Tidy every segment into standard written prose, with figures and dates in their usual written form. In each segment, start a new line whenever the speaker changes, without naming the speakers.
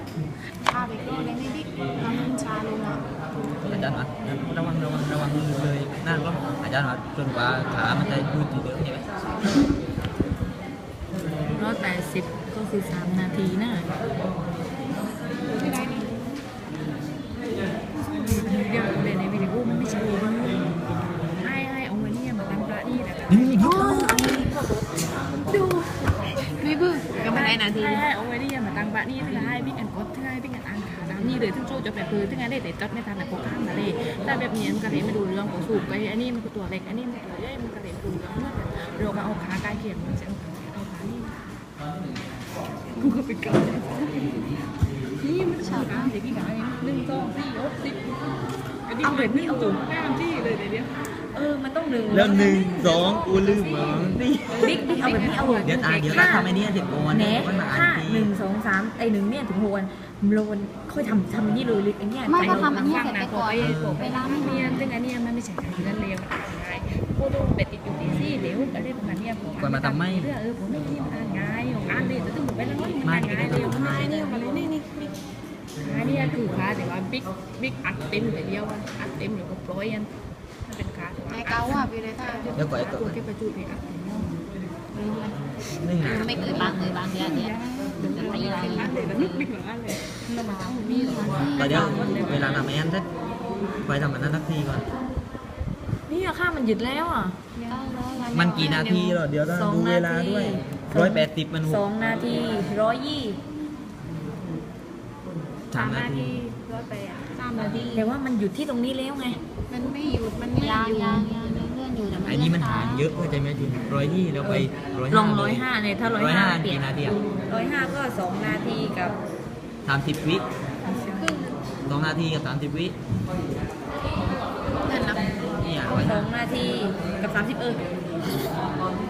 ชาไปก็เลยไม่ดิทำชาเลยนะ
อาจารย์ว่าระวังเลยนั่นก็อาจารย์ว่าจนกว่าขามันจะยืดที่เดิมใช่ไหม
180ก็คือ3 นาทีนะ
ไม่ได้นี่
เดี๋ยวเดี๋ยวในวิดีโอมันไม่ใช่ว่าให้เอาเงินนี่มาตั้งพระนี่แหละ
นี่
ดูนี่คือก็ไม่ได้นาที
ให้เอาเงินนี่มาตั้งพระนี่ถึงให้บิ๊กแอนกดถึงให้บิ๊กแอนอ่านข่าวน้ำนี่เลยทั้งโซ่จะแบบคือถึงให้ได้แต่จดไม่ทันแต่โคข้างมาเลยแต่แบบนี้มันก็เลยไม่ดูเรื่องของสูบไปอันนี้มันก็ตัวเล็กอันนี้มันตัวใหญ่มันก็เลยดูเรื่องเมื่อเราก็เอาขาใกล้เคียงมันจะเอาขานี่กูก็ไปเกิดนี่มันฉากอ่ะเด็กพี่กาย1 2 4 6 10เอาแบบนี้เอาตัวแม่มันที่เลยเดี๋ยวมันต้อง1
แล้ว1 2กูลืมเหรอ
บิ๊กเอาแบบนี้เอา
เดี๋ยวตาทำไอ้นี่เสร็จโอน
เน่
มันมาอ่าน
ถ้า
ที
1 2 3ไอ้1เนี่ยถึง6 วันโลนค่อยทำนี่เลยไอ้เนี่ย
ไม่ก็ทำอันนี้เสร็จไปก่อนเวลาไม่
เนี่ยซึ่งอันนี้มันไม่ใช่การเงินเร็วง่ายพูดตรงเป็ดติดอยู่ตีซี่เดี๋ยวอะไรประมาณนี้ผมผมไม่คิดมันง่ายของอ่านเลยแต่ถึงผมไปแล้วมันง่ายเร็วง่ายเนี่ยมาเลยนี่อันนี้คือขาแต่ว่าบิ๊กอัดเต็มแต่เดียวอัดเต็มอยู่กับร้อยอันมันเป็นขา
ไอ้เก้าอ่ะพี่เลยค่ะ
เดี๋ยวก่อนไอ้
ตั
ตัว ว
แค่ประจุเนี่ยอัดเต็ม
นี่ไง
ไม่เคยบางเดือนเนี่ยจะตีอะไร
อัดเลยแล้วบิ๊กเหมือนอัดเลยเรามาต้องมี
ก็เดี๋ยวเวลาทำไอ้นั่นเสร็จไปทำมันนั้นสักทีก่อน
นี่อะค่ามันหยุดแล้วอ่ะ
มันกี่นาทีหรอเดี๋ยวต้องดูเวลาด้วย180มัน
2 นาที120
3 นาที
3 นาที
แต่ว่ามันหยุดที่ตรงนี้แล้วไง
มันไม่หยุดมันยางเลื่อนอยู่แต่
ไอ้นี่มันห่างเยอะเข้าใจไหมจุน120แล้วไป
ลอง105เนี่ยถ้า105เปลี่ยน
กี่นาทีอ่ะ
105ก็2 นาทีกับ
30 วิ 2 นาทีกับ30 วิ
เงินนะ
นี่อ่ะ
2 นาทีกับ30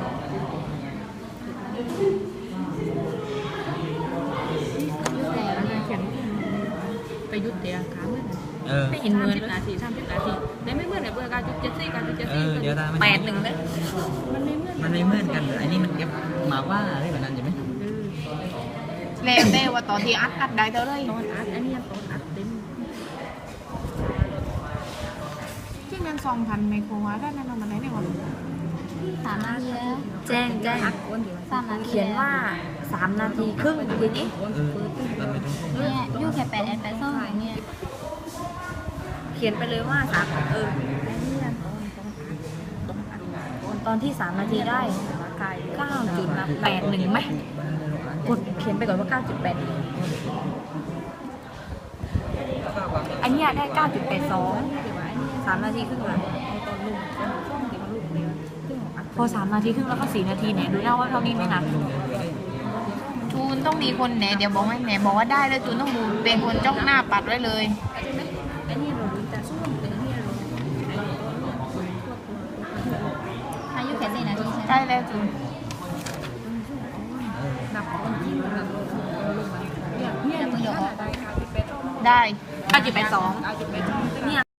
ไปยุดเดียขาเมื่อ ไม่เห็นเหมือน30 นาทีแต่ไม่เหมือนกับเบอร์การจุด74การจุด74
เดี๋ยวตา
81เลย
มันไม่เหมือนกันไอ้นี่มันเก็บมาว่าอะไรแบบนั้นใช่ไหม
แล้วแต่ว่าตอนที่อัดได้เท่าไร
ตอนอัดอันนี้ตอนอัดเต็ม
ที่เงิน2,000ไมโครวัตต์ได้นั่นมันได้เนี่ยวัน
3 นาทีแล้ว
แจ้ง
3 นาที
เขียนว่า3 นาทีครึ่งทีนี้
ตอนไม่ต้อง
เนี่ยยูแค่8 แอน8 2เนี่ย
เขียนไปเลยว่าตอนที่ 3 นาทีได้ 9.81ไหมกดเขียนไปก่อนว่า 9.8 อันนี้ได้ 9.82 3 นาทีครึ่งละพอ 3 นาทีครึ่งแล้วก็ 4 นาทีเนี่ยดูหน้าว่าเท่านี้ไม่หนัก
จูนต้องมีคนแหนเดี๋ยวบอกให้แหนบอกว่าได้แล้วจูนต้องดูเป็นคนจ้องหน้าปัดไว้เลย
อายุแค่4 นาทีใช่ไหม
ใช่แล้วจูนได้
9.82เนี่ย